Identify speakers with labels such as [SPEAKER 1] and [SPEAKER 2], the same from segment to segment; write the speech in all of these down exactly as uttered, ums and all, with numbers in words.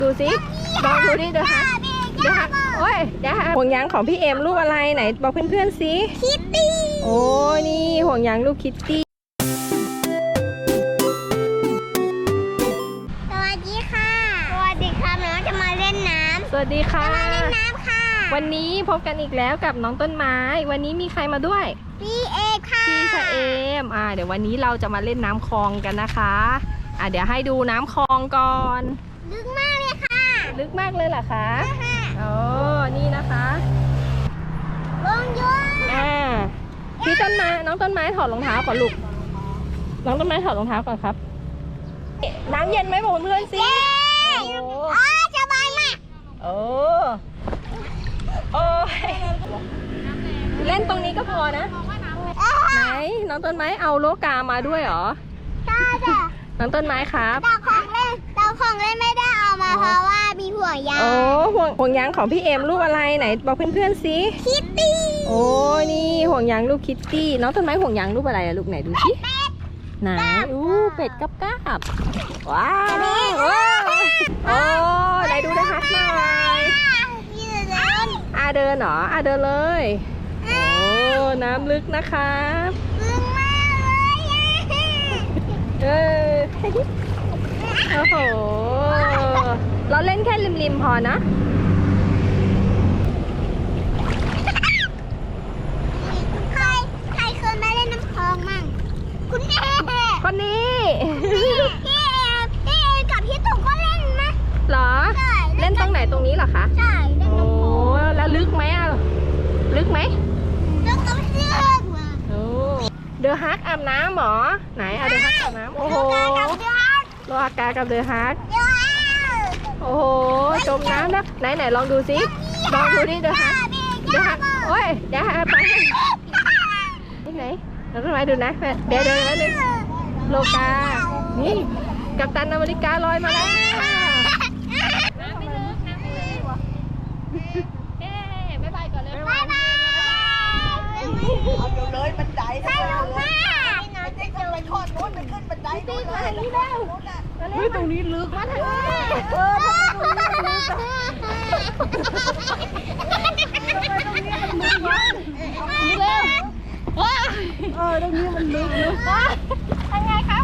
[SPEAKER 1] ดูสิลองดูดิเดี๋ยวฮะเดี๋ยวฮะโอ้ยเดี๋ยวฮะห่วงยางของพี่เอ็มรูปอะไรไหนบอกเพื่อนๆสิ
[SPEAKER 2] คิตตี้
[SPEAKER 1] โอ้นี่ห่วงยางรูปคิตตี้
[SPEAKER 2] สวัสดีค่ะสวัสดีค่ะน้องจะมาเล่นน้ำ
[SPEAKER 1] สวัสดีค่ะ
[SPEAKER 2] จะมาเล่นน้ำค่ะ
[SPEAKER 1] วันนี้พบกันอีกแล้วกับน้องต้นไม้วันนี้มีใครมาด้วย
[SPEAKER 2] พี่เอกค่ะ
[SPEAKER 1] พี่ชะเอมอ่าเดี๋ยววันนี้เราจะมาเล่นน้ำคลองกันนะคะอ่าเดี๋ยวให้ดูน้ำคลองก่อน
[SPEAKER 2] ลึกมากเลยค่ะ
[SPEAKER 1] ลึกมากเลยเหรอคะอ๋อนี่นะคะ
[SPEAKER 2] ลงยัว
[SPEAKER 1] อ่าพี่ต้นไม้น้องต้นไม้ถอดรองเท้าก่อนลูกน้องต้นไม้ถอดรองเท้าก่อนครับน้ำเย็นไหมบอกเพื่อนสิ
[SPEAKER 2] โอ้สบายมาก
[SPEAKER 1] โอ้โอ้เล่นตรงนี้ก็พอนะไหนน้องต้นไม้เอาโลกามาด้วยเหรอ
[SPEAKER 2] ใช่จ้ะ
[SPEAKER 1] น้องต้นไม้ครับ
[SPEAKER 2] แต่ของเล่นแต่ของเล่นไม่ได้เอามาเพราะว่ามีห่วงยาง
[SPEAKER 1] โอ้ห่วงห่วงยางของพี่เอ็มรูปอะไรไหนบอกเพื่อนๆสิ
[SPEAKER 2] คิตตี้
[SPEAKER 1] โอ้นี่ห่วงยางรูปคิตตี้น้องต้นไม้ห่วงยางรูปอะไรอะลูกไหนดูสิไหนอู้เป็ดกับกาบว้าวโอ้โอ้ไหนดูนะคะหน่อยอาเดินเหรออาเดินเลยโอ้น้ำลึกนะคะ
[SPEAKER 2] ลึกมากเลย
[SPEAKER 1] เออโอ้โหเราเล่นแค่ริมๆพอนะ
[SPEAKER 2] ใครใครเคยมาเล่นน้ำคลองมั่งคุณเอ
[SPEAKER 1] คนนี้
[SPEAKER 2] พี่พี่เอพี่เอกับพี่ตุ๊กก็เล่นนะ
[SPEAKER 1] เหรอเล่นตรงไหนตรงนี้เหรอคะ
[SPEAKER 2] ใช่เล่นน้ำคลอง
[SPEAKER 1] แล้วลึกไหมอ่ะลึกไหม
[SPEAKER 2] ลึกก็ลึก
[SPEAKER 1] โอ้เดอะฮักอาบน้ำหรอไหนเอาเดอะฮักอาบน้ำโอ้โหโลอากากับเดอะฮักโอ้โหจมน้ำนะไหนไหนลองดูสิลองดูดิเดอะฮักเดอะฮักโอ้ยเดี๋ยวไปนี่ไหนเราต้องไปดูนะเดี๋ยวเดี๋ยวนึงโลกานี่กัปตันอเมริกาลอยมาแล้วน้ำไม่ลึกน้ำไม่ลึกเอ๊ะบ๊ายบายก่อนเลยบ๊ายบาย
[SPEAKER 3] เอาเดี๋ยวเลยบันได
[SPEAKER 2] สนุกมาก
[SPEAKER 3] ไม่ได้จะไปทอดนู้นไปขึ้นบันไดนู้นเลย
[SPEAKER 1] เฮ้ยตรงนี้ลึกมาทางนี้เออเร็วเออตรงนี้มันลึกลึก
[SPEAKER 2] ทำไงครับ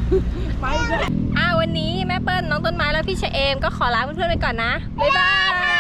[SPEAKER 1] ไปเลยอ่าวันนี้แม่เปิ้ลน้องต้นไม้แล้วพี่เชเอมก็ขอลาเพื่อนๆไปก่อนนะบ๊ายบาย